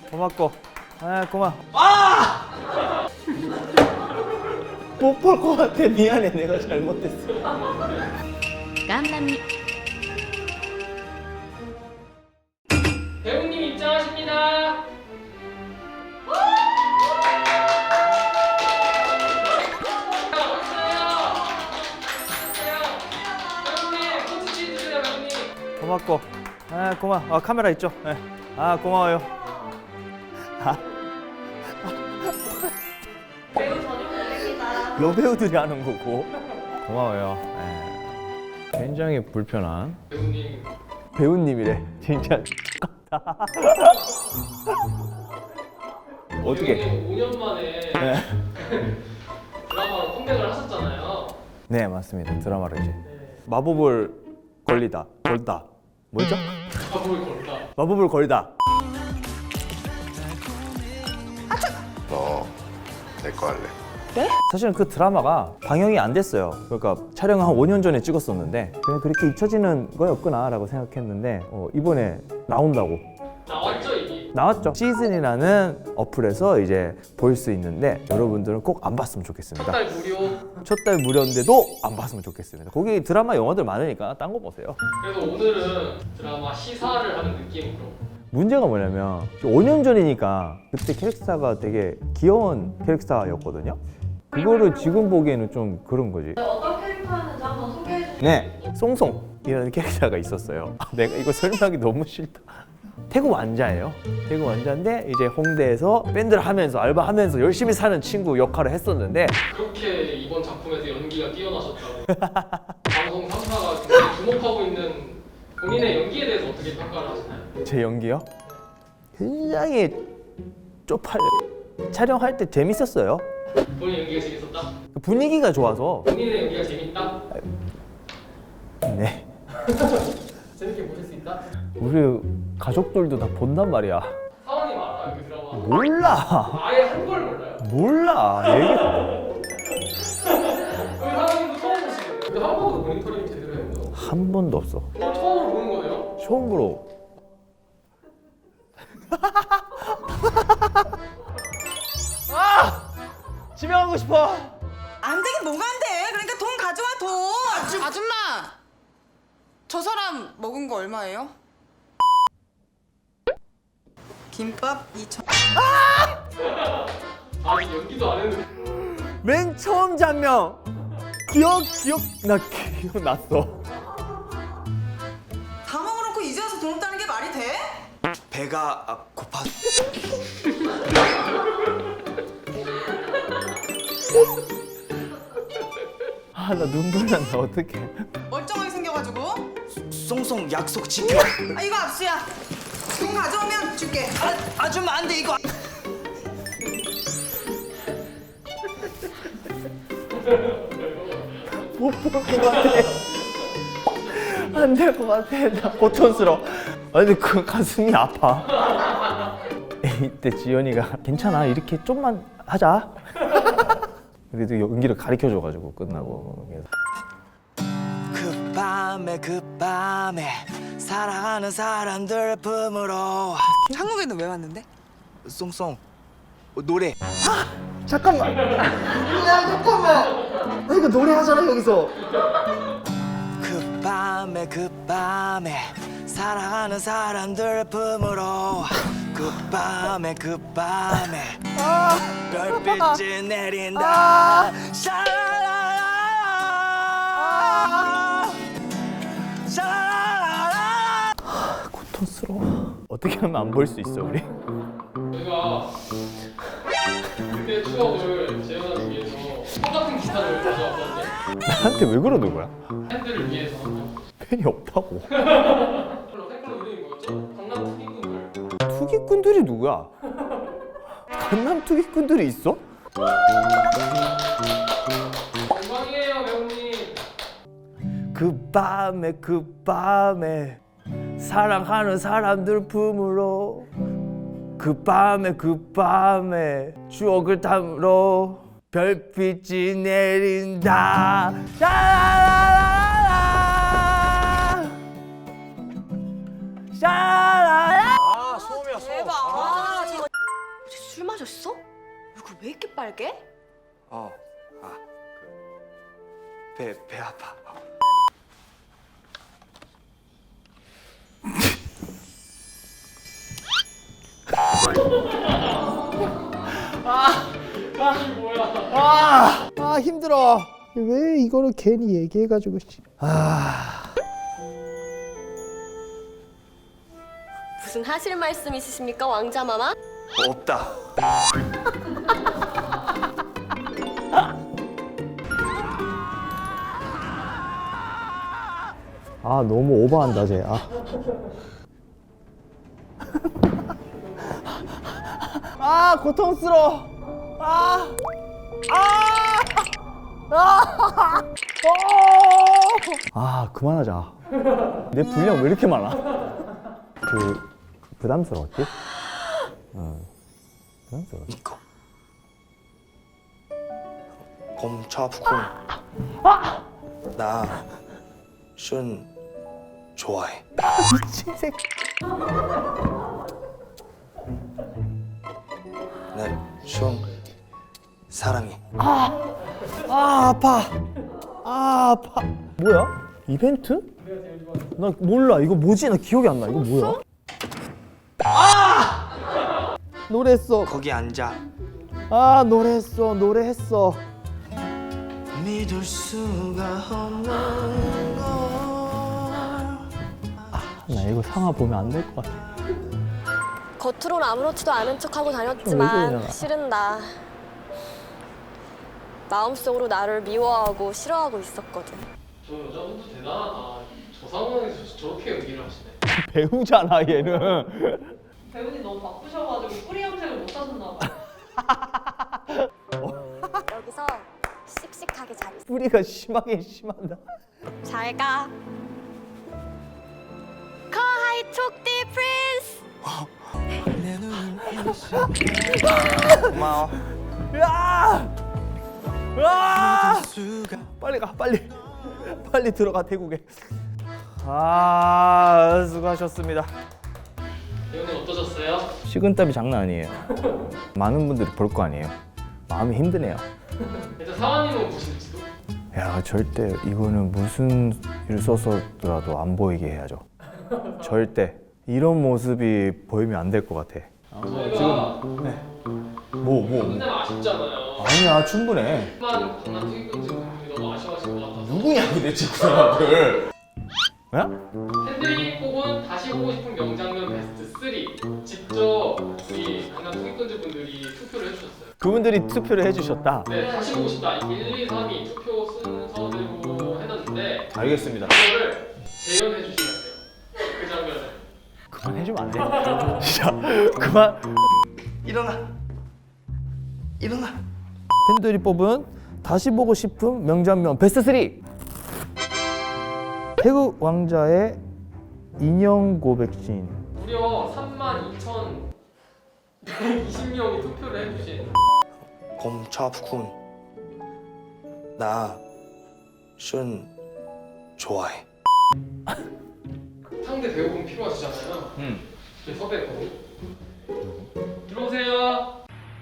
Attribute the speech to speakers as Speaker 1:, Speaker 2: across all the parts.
Speaker 1: 고맙고. 아, 고마워. 아! 못 볼 것 같아. 미안해. 내가 잘못했어.
Speaker 2: 깜깜이.
Speaker 3: 배우님 입장하십니다.
Speaker 1: 고맙고. 아, 고마워. 아, 카메라 있죠? 네. 아, 고마워요. 아.
Speaker 4: 배우 전용입니다.
Speaker 1: 여배우들이 하는 거고. 고마워요. 네. 굉장히 불편한
Speaker 3: 배우님
Speaker 1: 배우님이래. 진짜 어떻게?
Speaker 3: 배우님 5년 만에
Speaker 1: 네.
Speaker 3: 드라마로 컴백을 하셨잖아요.
Speaker 1: 네, 맞습니다. 드라마로 이제 마법을 걸다. 뭐죠?
Speaker 3: 가볼 걸다.
Speaker 1: 마법을 걸다.
Speaker 5: 너 내 거 할래?
Speaker 1: 사실은 그 드라마가 방영이 안 됐어요. 그러니까 촬영 한 5년 전에 찍었었는데 그냥 그렇게 잊혀지는 거였구나라고 생각했는데 이번에 나온다고.
Speaker 3: 나왔죠 이미.
Speaker 1: 나왔죠. 시즌이라는 어플에서 이제 볼 수 있는데 여러분들은 꼭 안 봤으면 좋겠습니다.
Speaker 3: 한 달 무료.
Speaker 1: 첫 달 무료인데도 안 봤으면 좋겠습니다. 거기 드라마 영화들 많으니까 딴 거 보세요.
Speaker 3: 그래서 오늘은 드라마 시사를 하는 느낌으로.
Speaker 1: 문제가 뭐냐면 5년 전이니까 그때 캐릭터가 되게 귀여운 캐릭터였거든요. 그거를 지금 보기에는 좀 그런 거지.
Speaker 4: 어떤 캐릭터였는지 한번 소개해 주세요.
Speaker 1: 네, 송송이라는 캐릭터가 있었어요. 내가 이거 설명하기 너무 싫다. 태국 완자예요. 태국 완자인데 이제 홍대에서 밴드를 하면서 알바하면서 열심히 사는 친구 역할을 했었는데
Speaker 3: 그렇게 이번 작품에서 연기가 뛰어나셨다고. 방송 3사가 굉장히 주목하고 있는 본인의 연기에 대해서 어떻게 평가를 하시나요?
Speaker 1: 제 연기요? 굉장히 쪽팔려. 촬영할 때 재밌었어요.
Speaker 3: 본인 연기가 재밌었다?
Speaker 1: 분위기가 좋아서.
Speaker 3: 본인의 연기가 재밌다?
Speaker 1: 네.
Speaker 3: 재밌게 보실 수 있다?
Speaker 1: 우리 가족들도 다 본단 말이야.
Speaker 3: 사원님 알아요 그 드라마?
Speaker 1: 몰라.
Speaker 3: 아예 한 걸 몰라요?
Speaker 1: 몰라. 얘기.
Speaker 3: 그 사원님도 처음 보시겠네요. 근데 한 번도 모니터링 제대로 했는데
Speaker 1: 한 번도 없어.
Speaker 3: 처음으로 보는 거네요?
Speaker 1: 처음으로. 집에 가고 싶어.
Speaker 6: 안 되긴 뭐가 안 돼. 그러니까 돈 가져와 돈. 아줌마. 저 사람 먹은 거 얼마예요? 김밥 2천.
Speaker 3: 아직 연기도 안 했는데.
Speaker 1: 맨 처음 장면. 기억났어.
Speaker 6: 다 먹어놓고 이제 와서 돈 없다는 게 말이 돼?
Speaker 7: 배가 고파.
Speaker 1: 아, 나 눈물 난다. 어떡해.
Speaker 6: 멀쩡하게 생겨가지고.
Speaker 7: 송송 약속 지켜.
Speaker 6: 아 이거 압수야. 돈 가져오면 줄게.
Speaker 7: 아줌마 안 돼 이거.
Speaker 1: 못 볼 것 같아. 안 될 것 같아. 나 고통스러워. 아니, 그 가슴이 아파. 이때 지연이가 괜찮아. 이렇게 좀만 하자. 그래도 연기를 가르쳐줘가지고 끝나고. 그래서
Speaker 7: 그 밤에 사랑하는 사람들 품으로.
Speaker 6: 한국에는 왜 왔는데?
Speaker 7: 송송 노래.
Speaker 1: 잠깐만. 야, 잠깐만. 나 이거 노래하잖아 여기서.
Speaker 7: 그 밤에 사랑하는 사람들 품으로. 그 밤에 별빛이 내린다. 샤라라라 샤라라라.
Speaker 1: 고통스러워. 어떻게 하면 안 볼 수 있어 우리?
Speaker 3: 저희가 그때 추억을 재현하기 위해서 똑같은 기타를 가져왔거든요.
Speaker 1: 나한테 왜 그러는 거야?
Speaker 3: 팬들을 위해서.
Speaker 1: 팬이 없다고.
Speaker 3: 팬클럽 이름이 뭐였죠? 강남 투기꾼들.
Speaker 1: 투기꾼들이 누구야? 강남 투기꾼들이 있어?
Speaker 3: 영광이에요 배우님.
Speaker 1: 그 밤에 사랑하는 사람들 품으로 그 밤에 추억을 담으러 별빛이 내린다. 샤라라라라 샤라라.
Speaker 7: 아 소음이야 소음.
Speaker 6: 대박. 와, 진짜
Speaker 4: 떨어졌어? 얼굴 왜 이렇게 빨개?
Speaker 7: 배 아파.
Speaker 1: 아 힘들어. 왜 이거를 괜히 얘기해가지고.
Speaker 4: 무슨 하실 말씀 있으십니까, 왕자마마?
Speaker 7: 없다.
Speaker 1: 아 너무 오버한다 쟤. 아 고통스러워. 그만하자. 내 분량 왜 이렇게 많아? 부담스러웠지? 부담스러워.
Speaker 7: 이거. 곰차프군. 나슌 좋아해.
Speaker 1: 미친 새끼.
Speaker 7: 나슌 사랑해.
Speaker 1: 아파. 뭐야? 이벤트? 나 몰라. 이거 뭐지? 나 기억이 안 나. 이거 뭐야? 노래했어.
Speaker 7: 거기 앉아.
Speaker 1: 노래했어.
Speaker 7: 믿을 수가 없는 걸.
Speaker 1: 나 이거 상하 보면 안 될 것 같아.
Speaker 4: 겉으론 아무렇지도 않은 척하고
Speaker 1: 좀 왜
Speaker 4: 다녔지만
Speaker 1: 그러냐.
Speaker 4: 싫은다. 마음속으로 나를 미워하고 싫어하고 있었거든.
Speaker 3: 저 여자분도 대단하다. 저 상황에서 저렇게 연기를 하시네.
Speaker 1: 배우잖아 얘는.
Speaker 2: 배우님 너무 바쁘셔가지고 뿌리 염색을 못 하셨나 봐요.
Speaker 4: 여기서 씩씩하게 잘 있어.
Speaker 1: 뿌리가 심하다.
Speaker 4: 잘 가. 커하이 촉디 프린스.
Speaker 7: 고마워.
Speaker 1: 빨리 가. 빨리 들어가 태국에. 수고하셨습니다.
Speaker 3: 배우님 어떠셨어요?
Speaker 1: 식은땀이 장난 아니에요. 많은 분들이 볼 거 아니에요. 마음이 힘드네요.
Speaker 3: 일단 사관님은 보실지도?
Speaker 1: 야 절대 이거는 무슨 일 써서라도 안 보이게 해야죠. 절대 이런 모습이 보이면 안 될 것 같아.
Speaker 3: 저희가
Speaker 1: 뭐
Speaker 3: 끝내면 아쉽잖아요.
Speaker 1: 아니야 충분해.
Speaker 3: 하지만 강남 투입금지 분들이 너무 아쉬워하실 것 같아서
Speaker 1: 누구냐 도대체 그 사람들?
Speaker 3: 팬들이 뽑은 다시 보고 싶은 명장면 베스트 3 직접 우리 강남 투입금지 분들이 투표를 해주셨어요.
Speaker 1: 그분들이 투표를 해주셨다.
Speaker 3: 네, 다시 보고 싶다. 1, 2, 3이 투표 순서대로 해놨는데
Speaker 1: 알겠습니다.
Speaker 3: 그거를 재연해 주시면 돼요. 그 장면을.
Speaker 1: 그만 해주면 안 돼? 진짜 그만.
Speaker 7: 일어나.
Speaker 1: 팬들이 뽑은 다시 보고 싶은 명장면 베스트 3. 태국 왕자의 인형 고백씬.
Speaker 3: 무려 32,120명이 투표를 해주신
Speaker 7: 곰차프군. 나슌 좋아해.
Speaker 3: 상대 배우분 필요하시잖아요. 저희 섭외했거든요. 들어오세요.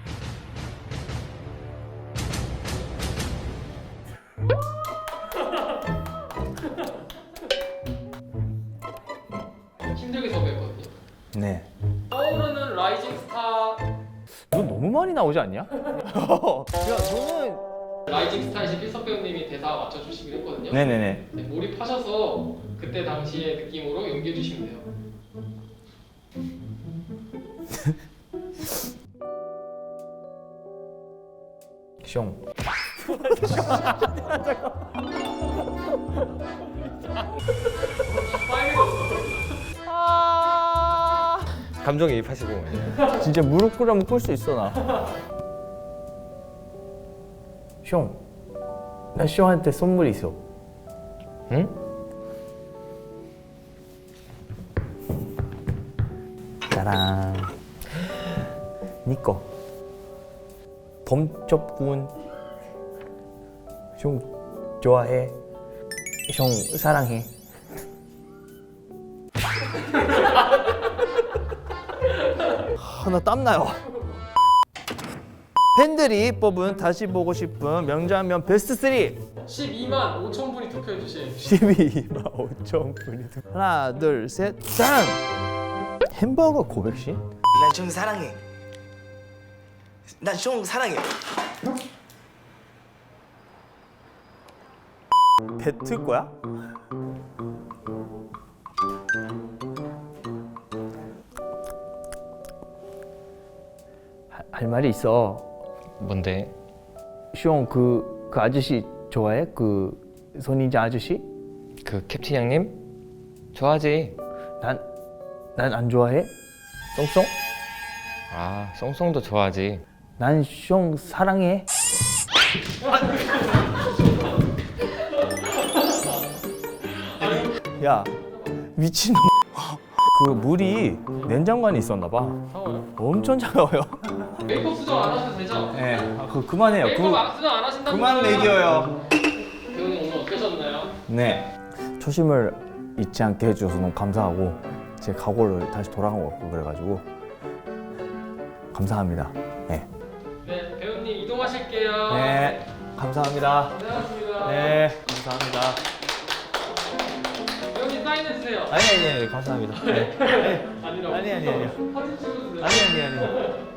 Speaker 3: 힘들게 섭외했거든요.
Speaker 1: 네.
Speaker 3: 떠오르는 라이징 스타.
Speaker 1: 너 너무 많이 나오지 않냐? 야 너는.
Speaker 3: 라이징 스타이신 필석 배우님이 대사 맞춰주시긴 했거든요.
Speaker 1: 네네네.
Speaker 3: 네, 몰입하셔서 그때 당시의 느낌으로 연기해 주시면 돼요.
Speaker 1: 숑.
Speaker 8: 감정이입하시고.
Speaker 1: 진짜 무릎 꿇으면 꿇을 수 있어 나. 숑, 나 숑한테 선물 있어.
Speaker 8: 응?
Speaker 1: 짜란. 니꺼. 범접군. 숑 좋아해. 숑 사랑해. 나 땀나요. 팬들이 뽑은 다시 보고 싶은 명장면 베스트 3.
Speaker 3: 12만 5천 분이 투표해 주신
Speaker 1: 12만 5천 분이. 하나, 둘, 셋, 짠! 햄버거 고백신?
Speaker 7: 난 좀 사랑해. 난 좀 사랑해.
Speaker 1: 뱉을 거야? 할 말이 있어.
Speaker 8: 뭔데?
Speaker 1: 시옹 그 아저씨 좋아해? 그 손인자 아저씨?
Speaker 8: 그 캡틴 형님? 좋아하지.
Speaker 1: 난 안 좋아해? 쏭쏭?
Speaker 8: 아, 쏭쏭도 좋아하지.
Speaker 1: 난 시옹 사랑해. 야 미친놈. 그 물이 냉장고에 있었나 봐.
Speaker 3: 차워요?
Speaker 1: 엄청 차가워요.
Speaker 3: 메이크업 수정 안 하셔도 되죠?
Speaker 1: 네, 그만해요.
Speaker 3: 메이크업 수정 안 하신다면
Speaker 1: 그만 먹여요.
Speaker 3: 배우님 오늘 어떠셨나요?
Speaker 1: 네. 초심을 잊지 않게 해주셔서 너무 감사하고 제 각오를 다시 돌아간 것 같고 그래가지고 감사합니다. 네.
Speaker 3: 네, 배우님 이동하실게요.
Speaker 1: 네. 감사합니다.
Speaker 3: 고생하셨습니다.
Speaker 1: 네. 감사합니다.
Speaker 3: 배우님 사인해 주세요.
Speaker 1: 아니 감사합니다. 네.
Speaker 3: 아니라고.
Speaker 1: 아니.
Speaker 3: 사진 찍어주세요.
Speaker 1: 아니.